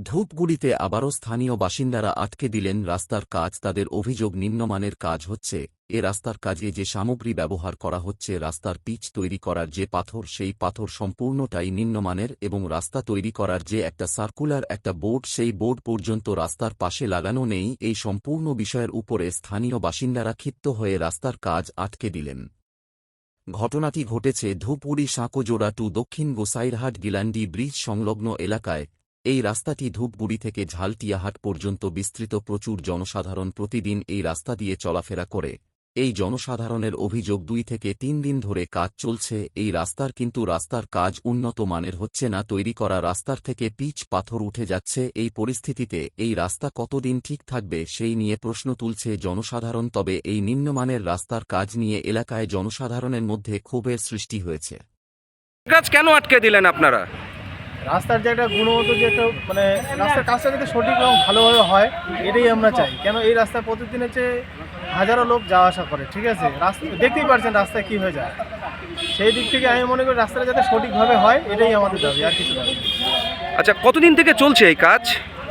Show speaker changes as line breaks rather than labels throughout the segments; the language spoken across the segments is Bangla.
ধূপগুড়িতে আবারও স্থানীয় বাসিন্দারা আটকে দিলেন রাস্তার কাজ। তাদের অভিযোগ, নিম্নমানের কাজ হচ্ছে। এ রাস্তার কাজে যে সামগ্রী ব্যবহার করা হচ্ছে, রাস্তার পিচ তৈরি করার যে পাথর, সেই পাথর সম্পূর্ণটাই নিম্নমানের, এবং রাস্তা তৈরি করার যে একটা সার্কুলার একটা বোর্ড, সেই বোর্ড পর্যন্ত রাস্তার পাশে লাগানো নেই। এই সম্পূর্ণ বিষয়ের উপরে স্থানীয় বাসিন্দারা ক্ষিপ্ত হয়ে রাস্তার কাজ আটকে দিলেন। ঘটনাটি ঘটেছে ধূপগুড়ি সাঁকোজোড়া টু দক্ষিণ গোসাইরহাট গিলান্ডি ব্রিজ সংলগ্ন এলাকায়। এই রাস্তাটি ধূপগুড়ি থেকে ঝালটিয়াহাট পর্যন্ত বিস্তৃত। প্রচুর জনসাধারণ প্রতিদিন এই রাস্তা দিয়ে চলাফেরা করে। এই জনসাধারণের অভিযোগ, 2 থেকে 3 দিন ধরে কাজ চলছে এই রাস্তার, কিন্তু রাস্তার কাজ উন্নত মানের হচ্ছে না। তৈরি করা রাস্তার থেকে পিচ পাথর উঠে যাচ্ছে। এই পরিস্থিতিতে এই রাস্তা কতদিন ঠিক থাকবে সেই নিয়ে প্রশ্ন তুলছে জনসাধারণ। তবে এই নিম্নমানের রাস্তার কাজ নিয়ে এলাকায় জনসাধারণের মধ্যে ক্ষোভের সৃষ্টি হয়েছে।
কাজ কেন আটকে দিলেন আপনারা?
রাস্তার যে একটা গুণগত যে একটা রাস্তার কাজটা যাতে সঠিক এবং ভালোভাবে হয়, এটাই আমরা চাই। কেন এই রাস্তায় প্রতিদিন হচ্ছে হাজারো লোক যাওয়া আসা করে, ঠিক আছে? রাস্তা দেখতেই পারছেন রাস্তায় কী হয়ে যায়। সেই দিক থেকে আমি মনে করি রাস্তাটা যাতে সঠিকভাবে হয়, এটাই আমাদের দাবি, আর কিছু দাবি।
আচ্ছা, কতদিন থেকে চলছে এই কাজ?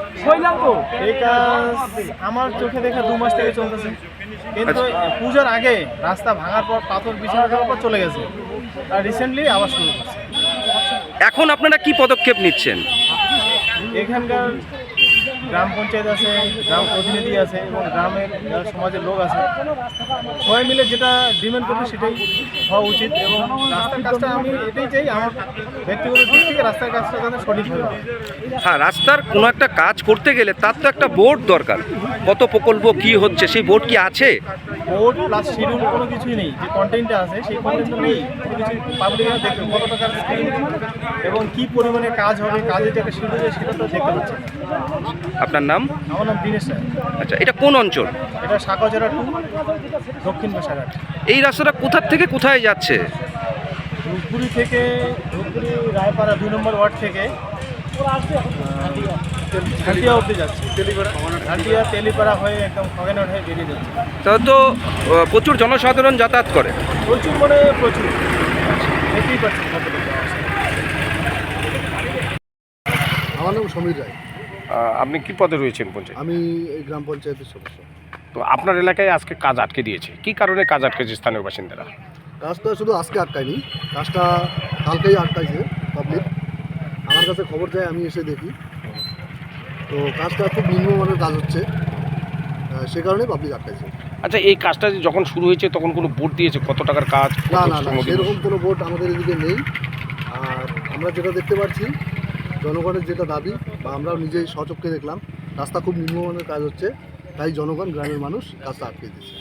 এই কাজ আমার চোখে দেখা 2 মাস থেকে চলতেছে, কিন্তু পূজার আগে রাস্তা ভাঙার পর পাথর বিছানা দেওয়ার পর চলে গেছে, আর রিসেন্টলি আবার শুরু করছে।
এখন আপনারা কি পদক্ষেপ নিচ্ছেন?
এখানকার গ্রাম পঞ্চায়েত আছে, গ্রাম প্রতিনিধি আছে এবং গ্রামের যারা সমাজের লোক আছে, সবাই মিলে যেটা ডিমান্ড করবে সেটাই হওয়া উচিত। এবং রাস্তার কাজটা আমি এটাই চাই, আমার ব্যক্তিগত দিক থেকে রাস্তার কাজটা যাতে সঠিকভাবে হয়।
হ্যাঁ, রাস্তার কোনো একটা কাজ করতে গেলে তার তো একটা বোর্ড দরকার। কত প্রকল্প কি হচ্ছে, সেই বোর্ড কি আছে?
বোর্ড প্লাস শিডিউল কোনো কিছুই নেই। যে কন্টেন্টটা আছে সেই কন্টেন্টটা নেই, কোনো কিছু পাবলিকরা দেখবে কত টাকার স্ক্রিন এবং কী পরিমাণে কাজ হবে, কাজের যে একটা শিডিউল সেটা তো দেখতে পাচ্ছে।
আপনার নাম?
আমার নাম দিনেশ রায়।
আচ্ছা, এটা কোন অঞ্চল?
এটা সাঁকোজোড়া টু দক্ষিণ গোসাইরহাট।
এই রাস্তাটা কোথা থেকে কোথায় যাচ্ছে?
ধূপগুড়ি থেকে, ধূপগুড়ি রায়পাড়া 2 নম্বর ওয়ার্ড থেকে ঝালটিয়া অবধি যাচ্ছে। ঝালটিয়া তেলিপাড়া হয়ে একদম খগেনহাট হয়ে বেরিয়ে যাচ্ছে।
তাহলে তো প্রচুর জনসাধারণ যাতায়াত করে।
প্রচুর প্রচুর, দেখতেই পাচ্ছি।
আমার নাম সমীর রায়।
আপনি কি পদে রয়েছেন পঞ্চায়েত?
আমি এই গ্রাম পঞ্চায়েতের সদস্য।
তো আপনার এলাকায় আজকে কাজ আটকে দিয়েছে, কি কারণে কাজ আটকেছে স্থানীয় বাসিন্দারা?
কাজটা শুধু আজকে আটকায়নি, কাজটা কালকেই আটকাইছে পাবলিক। আমার কাছে খবর যায়, আমি এসে দেখি। তো কাজটা খুব নিম্নমানের কাজ হচ্ছে, সে কারণে পাবলিক আটকাইছে।
আচ্ছা, এই কাজটা যখন শুরু হয়েছে তখন কোনো বোর্ড দিয়েছে কত টাকার কাজ?
না, সেরকম কোনো বোর্ড আমাদের এদিকে নেই। আর আমরা যেটা দেখতে পাচ্ছি, জনগণের যেটা দাবি, বা আমরাও নিজেই স্বচক্ষে দেখলাম, রাস্তা খুব নিম্নমানের কাজ হচ্ছে, তাই জনগণ, গ্রামের মানুষ কাজটা আটকে দিচ্ছে।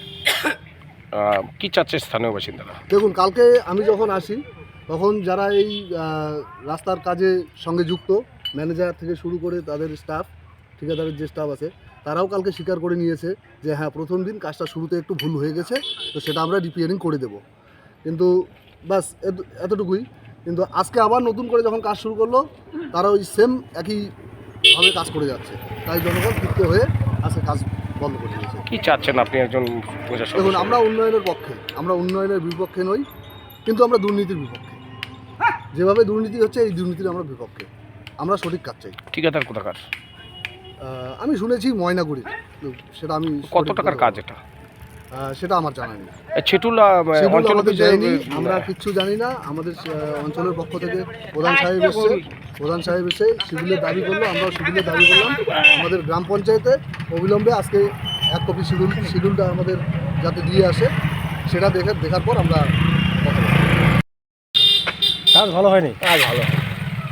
কি চাচ্ছে স্থানীয় বাসিন্দারা?
দেখুন, কালকে আমি যখন আসি তখন যারা এই রাস্তার কাজে সঙ্গে যুক্ত, ম্যানেজার থেকে শুরু করে তাদের স্টাফ, ঠিকাদারের যে স্টাফ আছে, তারাও কালকে স্বীকার করে নিয়েছে যে হ্যাঁ, প্রথম দিন কাজটা শুরুতে একটু ভুল হয়ে গেছে, তো সেটা আমরা রিপেয়ারিং করে দেব। কিন্তু বাস এতটুকুই। কিন্তু আজকে আবার নতুন করে যখন কাজ শুরু করলো, তারা ওই সেম একইভাবে কাজ করে যাচ্ছে, তাই জনগণ ক্ষিপ্ত হয়ে আজকে কাজ বন্ধ করে দিয়েছে।
কি চাচ্ছেন আপনি একজন প্রশাসক?
দেখুন, আমরা উন্নয়নের পক্ষে, আমরা উন্নয়নের বিপক্ষে নই, কিন্তু আমরা দুর্নীতির বিপক্ষে। যেভাবে দুর্নীতি হচ্ছে, এই দুর্নীতির আমরা বিপক্ষে। আমরা সঠিক কাজ চাই।
ঠিকাদার কোথাকার?
আমি শুনেছি ময়নাগুড়ির, সেটা আমি
কত টাকার কাজ এটা?
সেটা আমার জানা নেই।
ছেটুল
আমাদের যায়নি, আমরা কিচ্ছু জানি না। আমাদের অঞ্চলের পক্ষ থেকে প্রধান সাহেব এসে শিডিউলের দাবি করলো, আমরাও শিডিউলের দাবি করলাম। আমাদের গ্রাম পঞ্চায়েতে অবিলম্বে আজকে 1 কপি শিডিউলটা আমাদের যাতে দিয়ে আসে, সেটা দেখার পর আমরা কথা বলব।
কাজ ভালো হয়নি।
কাজ ভালো হয়।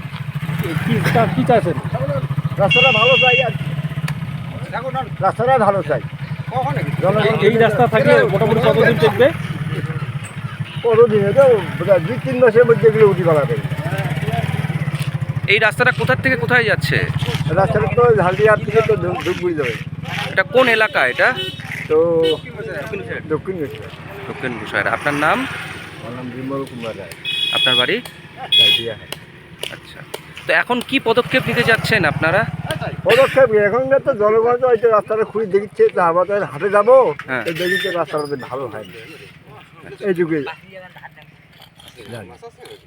কি চাইছেন?
রাস্তাটা ভালো চাই, আর রাস্তাটা ভালো চাই।
এই রাস্তা থাকলে মোটামুটি কতদিন চলবে?
কতদিনে তো 2-3 মাসের মধ্যে এগুলো উঠি করা যাবে।
এই রাস্তাটা কোথা থেকে কোথায় যাচ্ছে?
রাস্তাটা তো ঝালদিয়ার থেকে তো ধূপগুড়ি যাবে।
এটা কোন এলাকা? এটা
তো দক্ষিণ
গোসাইরহাট। আপনার নাম?
আমার নাম বিমল কুমার রায়।
আপনার বাড়ি? আচ্ছা, তো এখন কি পদক্ষেপ নিতে যাচ্ছেন আপনারা?
পদক্ষেপ এখনকার তো জনগণ তো হয়তো রাস্তাটা খুঁড়ি দেখিচ্ছে, তো আমরা তো হাটে যাবো,
হ্যাঁ।
দেখিচ্ছে রাস্তাটা ভালো হয়নি, এইটুকুই জানি।